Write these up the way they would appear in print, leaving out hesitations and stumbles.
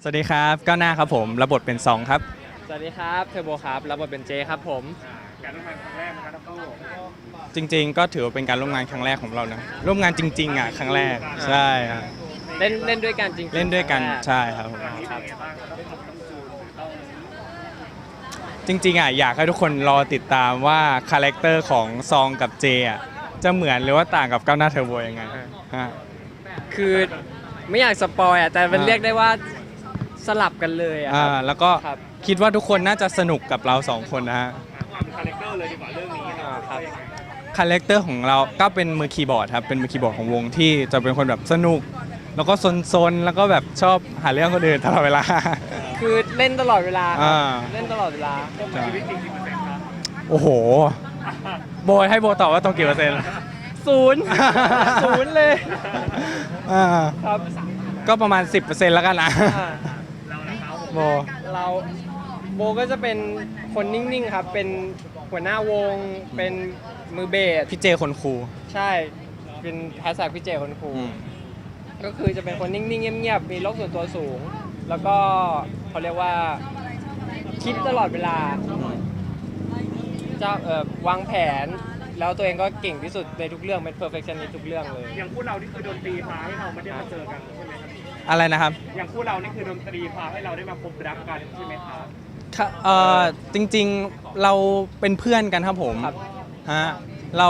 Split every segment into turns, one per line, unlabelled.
สวัสดีครับก้าวหน้าครับผมรับบทเป็นซองครับ
สวัสดีครับเทอร์โบครับรับบทเป็นเจครับผม
การร่วมงานครั้งแรกนะครับทั้งคู่
จริงๆก็ถือว่าเป็นการร่วมงานครั้งแรกของเรานะร่วมงานจริงๆครั้งแรกใช่ครับ
เล่นด้วยกันจริงๆ
เล่นด้วยกันใช่ครับผม
นี่เป็นไงบ้างครับต้องจูนต้อง
จริงๆอยากให้ทุกคนรอติดตามว่าคาแรคเตอร์ของซองกับเจจะเหมือนหรือว่าต่างกับก้าวหน้าเทอร์โบยังไงฮะ
คือไม่อยากสปอยแต่มันเรียกได้ว่าสลับกันเลยครับ
แล้วก็
ครับ
คิดว่าทุกคนน่าจะสนุกกับเราสองคนนะฮะ
ความคาแรคเตอร์เลยดีกว่าเรื่องนี้
ครับ
คาแรคเตอร์ของเราก็เป็นมือคีย์บอร์ดครับเป็นมือคีย์บอร์ดของวงที่จะเป็นคนแบบสนุกแล้วก็ซนๆแล้วก็แบบชอบหาเรื่องคนอื่นตลอดเวลา
คือเล่นตลอดเวลาครับ
อ่า
เล่นตลอดเวลา
ชีวิตจริงกี่เปอร์เซ็นต์ครับ
โอ้โหโบให้โบตอบว่าตรงกี่เปอร์เซ็นต์
ศูนย์ ศูนย์เลย
อ่า
ครับ
ก็ประมาณ 10%แล้วกันนะ
อ่า
เรานะครับผม
โบ
เราโบก็จะเป็นคนนิ่งๆครับเป็นหัวหน้าวงเป็นมือเบส
พี่เจคนครู
ใช่เป็นแฮชแท็กพี่เจคนครูก็คือจะเป็นคนนิ่งๆเงียบๆมีโลกส่วนตัวสูง แล้วก็เขาเรียกว่าคิดตลอดเวลาจะวางแผนแล้วตัวเองก็เก่งที่สุดในทุกเรื่องเป็น perfectionist ทุกเรื่องเลย
อย่างคู่เรานี่คือดนตรีพาให้เราไม่ได้มาเจอกันใช่ไหมครับ
อะไรนะครับ
อย่างคู่เรานี่คือดนตรีพาให้เราได้มาพบรักกันใช่ไหมครับ
จริงๆเราเป็นเพื่อนกันครับผม
ครับ
ฮะเรา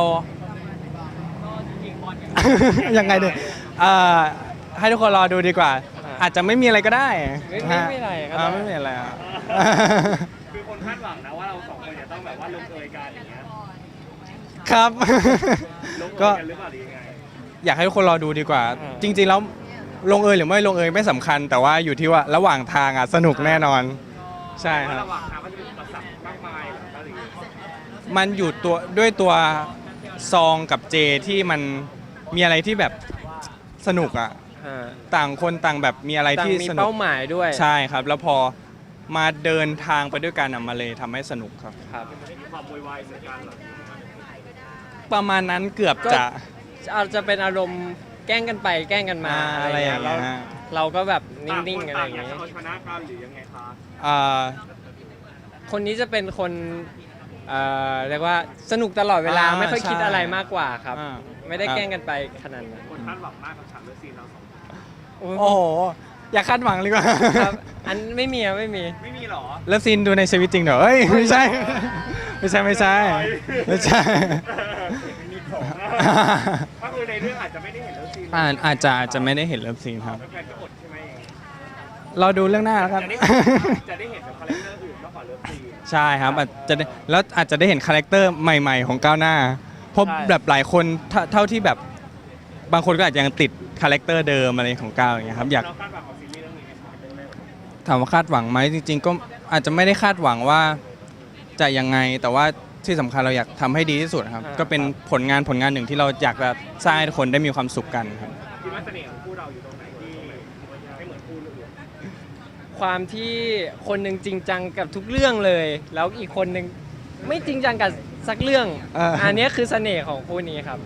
ยังไงดีให้ทุกคนรอดูดีกว่า อาจจะไม่มีอะไรก็ได้
ไม่มีอะไรก็ได้
ไม่มีอะไรอ่ะ
คือคนคาดหวังนะว่าเราสองคนจะต้องแบบว่าลงเอยกันอย่างเงี้ย
ครับ
ลงเอ
ก็
ยกันหรือเปล่าหรือยังไง
อยากให้ทุกคนรอดูดีกว่า จริงๆแล้วลงเอยหรือไม่ลงเอยไม่สำคัญ แต่ว่าอยู่ที่ว่าระหว่างทางสนุกแน่นอน ใช่ครับ
ระหว่างทางมันจะมีอุปสรรคมากมายหรือเปล่าหรือยังไง
มันอยู่ด้วยตัวซองกับเจที่มันมีอะไรที่แบบสนุกต่างคนต่างแบบมีอะไร
ต่าง
ที่
มี
สนุก
เป้าหมายด้วย
ใช่ครับ แล้วพอมาเดินทางไปด้วยกันมาเลยทำให้สนุกครับ
ครับ
มีความโวยวายใส่กันเหรอ
ประมาณนั้นเกือบจะ
อาจจะเป็นอารมณ์แกล้งกันไปแกล้งกันมา
อะไรอย่างเงี้ย
เราก็แบบนิ่
ต่าง
ง
คน
ๆอะไร
ต่า
อง ย่าง
อยาก
เงี้
จะ
ย
เอาชนะกันหรือยังไงคะ
อ่า
คนนี้จะเป็นคนเรียกว่าสนุกตลอดเวลาไม่ค่อยคิดอะไรมากกว่าครับ ไม่ได้แกล้งกันไปขนาดนั้น
คนคาดหวังมากกับฉากเลิฟซีนเราสองคน
โอ้โห อย่าคาดหวังเลยกว่า
ครับอันไม่มีอะไม่มี
ไม่มีหรอ
เลิฟซีนดูในชีวิตจริงเหรอเอ้ยไม่ใช่ ไม่ใช่ไม่ใช่ไม่ใช่
มีของก็คือในเรื่องอาจจะไม่ได้เห็นเลิฟซีน
อาจจะไม่ได้เห็นเลิฟซีนครับ
แฟนก็อดใช่ไหม
เราดูเรื่องหน้าแล้วครับ
จะได้เห็นแบบคาแรคเตอร์อื่นมากกว่าเลิฟซีน
ใช่ครับอาจจะได้แล้วอาจจะได้เห็นคาแรคเตอร์ใหม่ๆของก้าวหน้าเพราะ
ใช่
แบบหลายคนเท่าที่แบบบางคนก็อาจจะยังติดคาแรคเตอร์เดิมอะไรของก้าวอย่างเงี้ยครับอยาก
เราคาดหวังของซีรีส์เรื่องนี้ไหมครับ
ถามว่าคาดหวังไหมจริง ๆ ก็อาจจะไม่ได้คาดหวังว่าจะยังไงแต่ว่าที่สำคัญเราอยากทำให้ดีที่สุดครับก็เป็นผลงานหนึ่งที่เราอยากจะสร้างให้ทุกคนได้มีความสุขกันครับ
คิดว่าเสน่ห์ของคู่เราอยู่ตรงไหนที่ไม่เหมือนคู่อื่น
ความที่คนหนึ่งจริงจังกับทุกเรื่องเลย แล้วอีกคนหนึ่งไม่จริงจังกับสักเรื่อง อันนี้คือเสน่ห์ของคู่นี้ครับ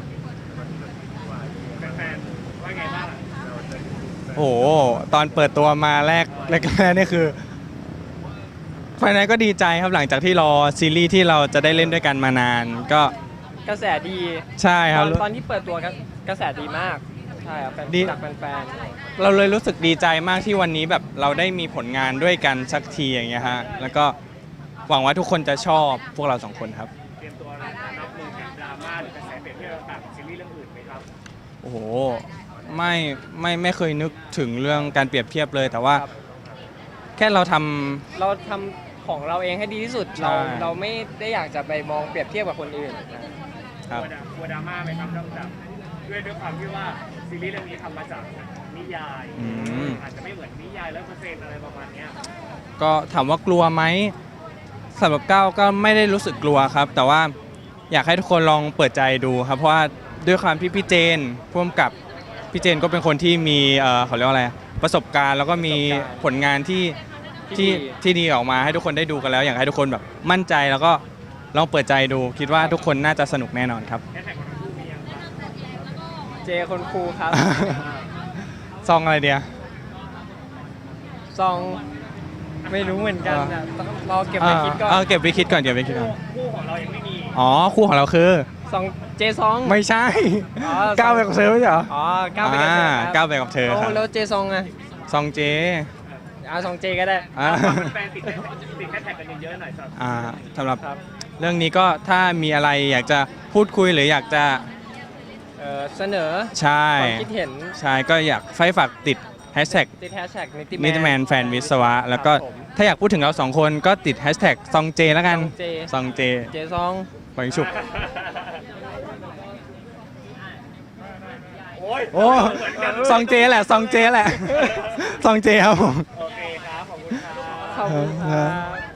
แฟนๆว่าไงบ้าง
โอ้โหตอนเปิดตัวมาแรกนี่คือภายในก็ดีใจครับหลังจากที่รอซีรีส์ที่เราจะได้เล่นด้วยกันมานานก็
กระแสดี
ใช่ครับ
ตอนที่เปิดตัวกระแสดีมากใช่ครับ
ดี
จากแฟน
เราเลยรู้สึกดีใจมากที่วันนี้แบบเราได้มีผลงานด้วยกันสักทีอย่างเงี้ยฮะแล้วก็หวังว่าทุกคนจะชอบพวกเราสองคนครับ
เตรียมตัวรับมือกับดราม่าหรือกระแสเปรียบเทียบต่างๆของซีรีส์เรื่องอื่นไหมครับ
โอ้โหไม่เคยนึกถึงเรื่องการเปรียบเทียบเลย แต่ว่า
ครับ
แค่เราทำ
ๆเราทำของเราเองให้ดีที่สุด
ใช่
เราไม่ได้อยากจะไปมองเปรียบเทียบกับคนอื่น
ครับ
กลัวดราม่าไหมครับนอกจากด้วยความที่ว่าซีรีส์เรื่องนี้ทำมาจากนิยาย อาจจะไม่เหมือนนิยาย100%อะไรประมาณเนี้ย
ก็ถามว่ากลัวไหมสำหรับก้าวก็ไม่ได้รู้สึกกลัวครับ แต่ว่าอยากให้ทุกคนลองเปิดใจดูครับ เพราะว่าด้วยความที่พี่เจนพ่วงกับพี่เจนก็เป็นคนที่มีเขาเรียกว่าอะไรประสบการณ์ แล้วก็มีผลงานที่ดีออกมาให้ทุกคนได้ดูกันแล้ว อยากให้ทุกคนแบบมั่นใจแล้วก็ลองเปิดใจดู คิดว่าทุกคนน่าจะสนุกแน่นอนครับ
แฮชแท็กของทั้งคู่มียังครับ
เจคนครูครับ
ซองอะไรเดีย
ซองไม่รู้เหมือนกันอะต้องรอเก็บไปคิดก่อน
เก็บไปคิดก่อนเก็บไปคิดก่อน
คู่ของเรายังไม่มี
อ๋อคู่ของเราคือ
ซองเจซอง
ไม่ใช่
อ๋อ
ก้าวไปกับเธอไม่ใช่เหรอ
อ๋อก้าวไปกันเถอะครับ
ก้าวไปกับเธอครับ
แล้วเจซองอะ
ซองเจ
ซองเจก็ได้
อ่า
แฟนติดแฮชแท็กกันเยอะๆหน่อยสำหรับ
สำหรับ
ครับ
เรื่องนี้ก็ถ้ามีอะไรอยากจะพูดคุยหรืออยากจะ
เสนอ
ใช่
ความคิดเห็น
ใช่ก็อยากฝากติดแฮชแท็ก
ติดแฮชแท็กนิ
นิติแมนแฟนวิศวะ แล้วก็
ครับผม
ถ้าอยากพูดถึงเราสองคนก็ติดแฮชแท็กซองเจแล้วกัน
เจ
ซองเจ
เจซอง
ปังฉุบ
โอ้ย
โอ้
เหมือนกัน
ซองเจแหละซองเจแหละซองเจครับผม
โอเคครับ ขอบคุณครับ
ขอบคุณครับ